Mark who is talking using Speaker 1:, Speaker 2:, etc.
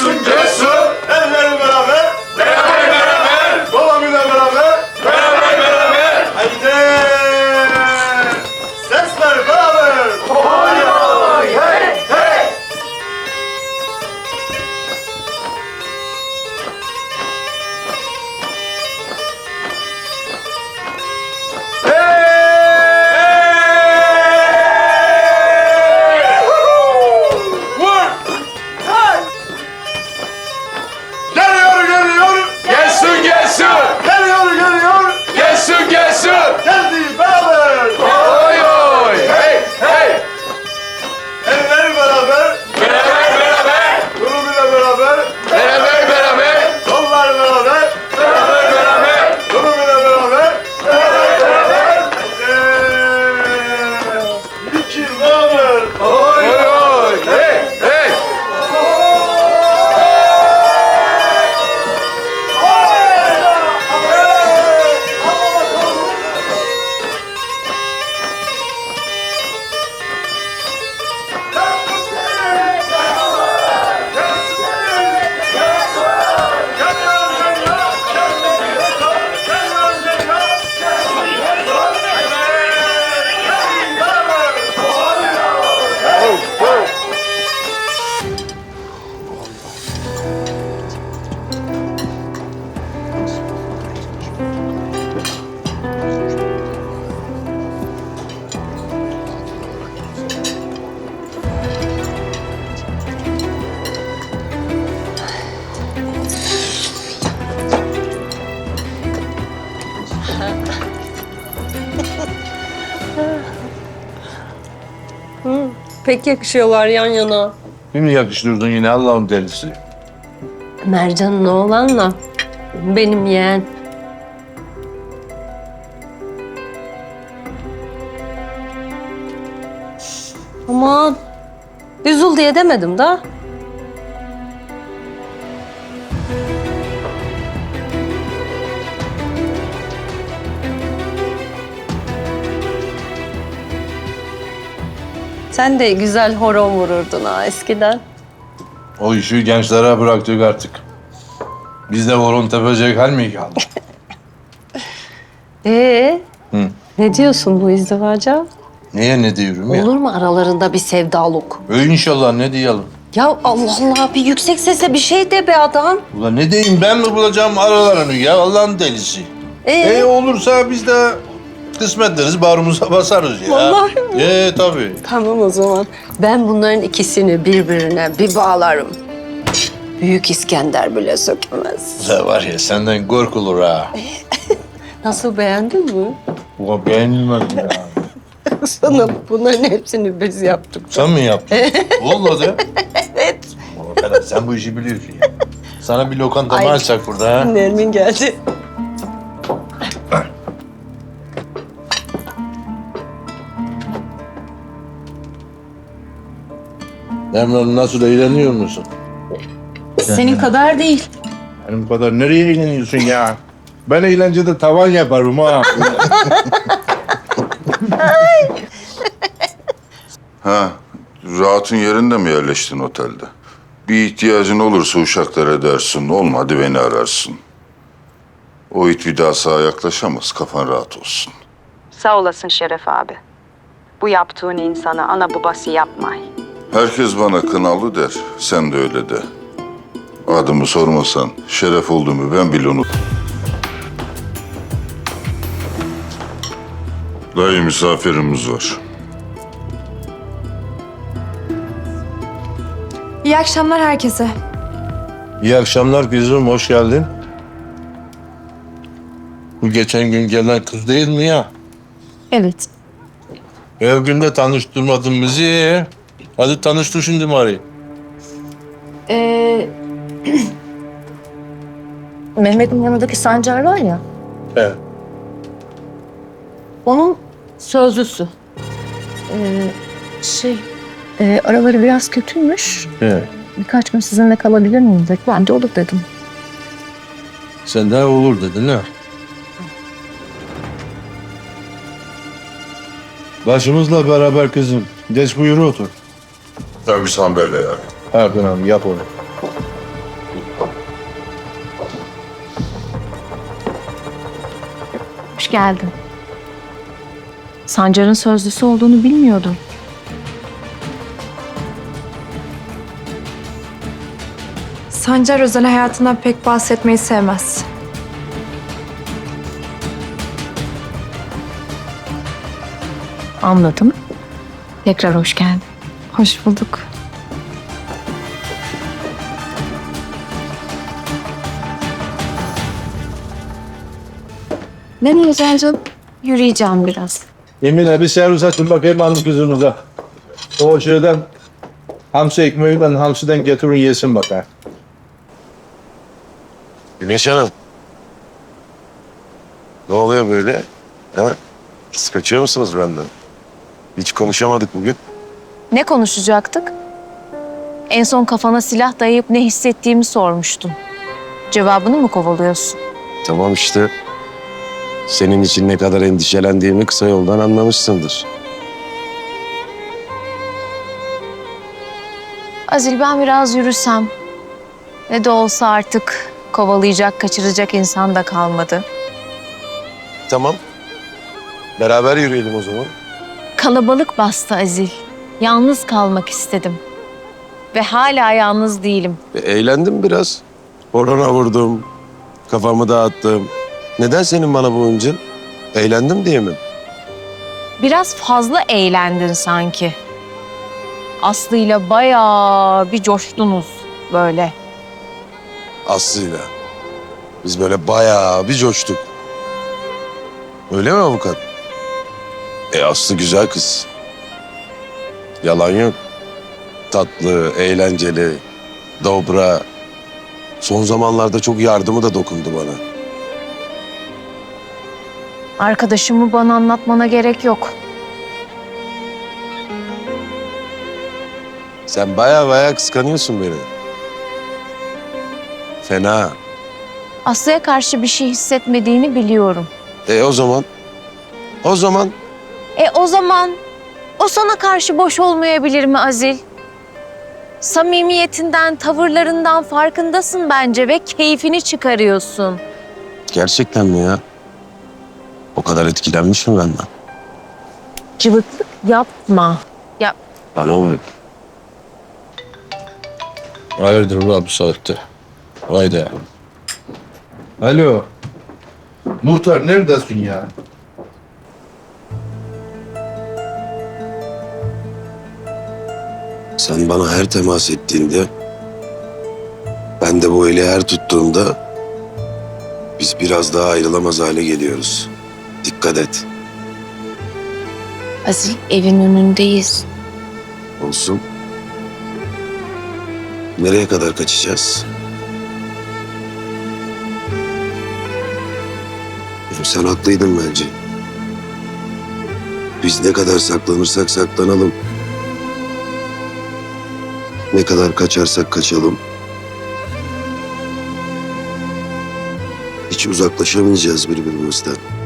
Speaker 1: Gelsin gelsin.
Speaker 2: Ellerini beraber.
Speaker 1: Beraber beraber.
Speaker 2: Dolamıyla beraber.
Speaker 1: Beraber beraber.
Speaker 2: Haydi. Sesler beraber.
Speaker 1: Oy oy hey hey.
Speaker 2: Geliyor geliyor.
Speaker 1: Gelsin gelsin.
Speaker 2: Geliyor geliyor.
Speaker 1: Gelsin gelsin.
Speaker 2: Geldi beraber.
Speaker 1: Oy oy hey hey.
Speaker 2: Elleri beraber.
Speaker 1: Beraber beraber.
Speaker 2: Durumuyla beraber.
Speaker 1: Beraber beraber.
Speaker 2: Kollar beraber.
Speaker 1: Beraber beraber.
Speaker 2: Durumuyla beraber.
Speaker 1: Beraber beraber.
Speaker 2: İki beraber.
Speaker 1: Oy oy hey hey.
Speaker 3: Pek yakışıyorlar yan yana.
Speaker 4: Şimdi yakıştırdın yine Allah'ın delisi.
Speaker 3: Mercan'ın oğlanla benim yeğen. Aman üzül diye demedim da. Sen de güzel horon vururdun ha eskiden.
Speaker 4: O işi gençlere bıraktık artık. Biz de horon tepecek hal mi kaldı? Hı.
Speaker 3: Ne diyorsun bu izdivaca?
Speaker 4: Neye ne diyorum ya?
Speaker 3: Olur mu aralarında bir sevdalık?
Speaker 4: İnşallah ne diyelim?
Speaker 3: Ya Allah Allah bir yüksek sesle bir şey de be adam.
Speaker 4: Ulan ne diyeyim ben mi bulacağım aralarını ya Allah'ın delisi. Olursa biz de kısmet deriz bağrımıza basarız ya.
Speaker 3: Vallahi mi?
Speaker 4: Tabii.
Speaker 3: Tamam o zaman. Ben bunların ikisini birbirine bir bağlarım. Büyük İskender bile sökemez.
Speaker 4: Ya var ya senden korkulur ha.
Speaker 3: Nasıl beğendin mi?
Speaker 4: Ulan beğenilmez ya.
Speaker 3: Sana bunların hepsini biz yaptık.
Speaker 4: Sen mi yaptın? Vallahi. Evet. Ferhat sen bu işi biliyorsun ya. Sana bir lokanta mı
Speaker 3: Ay.
Speaker 4: açsak burada ha?
Speaker 3: Nermin geldi.
Speaker 4: Emrah nasıl eğleniyor musun?
Speaker 5: Senin kadar değil.
Speaker 4: Benim kadar nereye eğleniyorsun ya? Ben eğlencede tavan yaparım ha.
Speaker 6: Ha, rahatın yerinde mi yerleştin otelde? Bir ihtiyacın olursa uşaklar edersin, olmadı beni ararsın. O it bir daha sağa yaklaşamaz, kafan rahat olsun.
Speaker 7: Sağ olasın Şeref abi. Bu yaptığın insana ana babası yapmay.
Speaker 6: Herkes bana Kınalı der, sen de öyle de. Adımı sormasan, Şeref olduğumu ben bile unuttum. Dayı misafirimiz var.
Speaker 5: İyi akşamlar herkese.
Speaker 4: İyi akşamlar kızım, hoş geldin. Bu geçen gün gelen kız değil mi ya?
Speaker 5: Evet.
Speaker 4: Her gün de tanıştırmadın bizi. Hadi tanıştır şimdi bari.
Speaker 5: Mehmet'in yanındaki Sancar var ya,
Speaker 4: Evet.
Speaker 5: onun sözlüsü. Araları biraz kötüymüş.
Speaker 4: Evet.
Speaker 5: Birkaç gün sizinle kalabilir miyim dedi. Ben de olur dedim.
Speaker 4: Sen de olur dedin ha. Başımızla beraber kızım. Geç buyur otur.
Speaker 6: Tabii sen böyle ya.
Speaker 4: Erkan abi yap onu.
Speaker 5: geldin. Sancar'ın sözlüsü olduğunu bilmiyordum.
Speaker 8: Sancar özel hayatından pek bahsetmeyi sevmez.
Speaker 5: Anladım. Tekrar hoş geldin.
Speaker 8: Hoş bulduk.
Speaker 5: Nereye Can'cığım? Yürüyeceğim biraz.
Speaker 4: Emine bir servis açın bakayım hanım kızınıza. O şeyden hamsi ekmeğiyle hamsiden getirin yesin bakayım.
Speaker 9: Güneş Hanım. Ne oluyor böyle? Ha? Siz kaçıyor musunuz benden? Hiç konuşamadık bugün.
Speaker 5: Ne konuşacaktık? En son kafana silah dayayıp ne hissettiğimi sormuştun. Cevabını mı kovalıyorsun?
Speaker 9: Tamam işte. Senin için ne kadar endişelendiğimi kısa yoldan anlamışsındır.
Speaker 5: Azil, ben biraz yürüsem. Ne de olsa artık kovalayacak, kaçıracak insan da kalmadı.
Speaker 9: Tamam. Beraber yürüyelim o zaman.
Speaker 5: Kalabalık bastı Azil. Yalnız kalmak istedim. Ve hala yalnız değilim.
Speaker 9: Eğlendim biraz. Horona vurdum. Kafamı dağıttım. Neden senin bana bu hıncın? Eğlendim diye mi?
Speaker 5: Biraz fazla eğlendin sanki. Aslı'yla bayağı bir coştunuz böyle.
Speaker 9: Aslı'yla. Biz böyle bayağı bir coştuk. Öyle mi avukat? Aslı güzel kız. Yalan yok. Tatlı, eğlenceli, dobra. Son zamanlarda çok yardımı da dokundu bana.
Speaker 5: Arkadaşımı bana anlatmana gerek yok.
Speaker 9: Sen bayağı kıskanıyorsun beni. Fena.
Speaker 5: Aslı'ya karşı bir şey hissetmediğini biliyorum.
Speaker 9: O zaman? O zaman
Speaker 5: O zaman o sana karşı boş olmayabilir mi Azil? Samimiyetinden, tavırlarından farkındasın bence ve keyfini çıkarıyorsun.
Speaker 9: gerçekten mi ya? O kadar etkilenmiş mi benden?
Speaker 5: Cıvıklık yapma. Ya
Speaker 9: Bana bak.
Speaker 4: Hayırdır ulan bu saatte? Haydi. Alo. Muhtar neredesin ya?
Speaker 9: Sen bana her temas ettiğinde, ben de bu eli her tuttuğumda biz biraz daha ayrılamaz hale geliyoruz. Dikkat et.
Speaker 5: Azil, evin önündeyiz.
Speaker 9: Olsun. Nereye kadar kaçacağız? Sen haklıydın bence. Biz ne kadar saklanırsak saklanalım, ne kadar kaçarsak kaçalım, hiç uzaklaşamayacağız birbirimizden.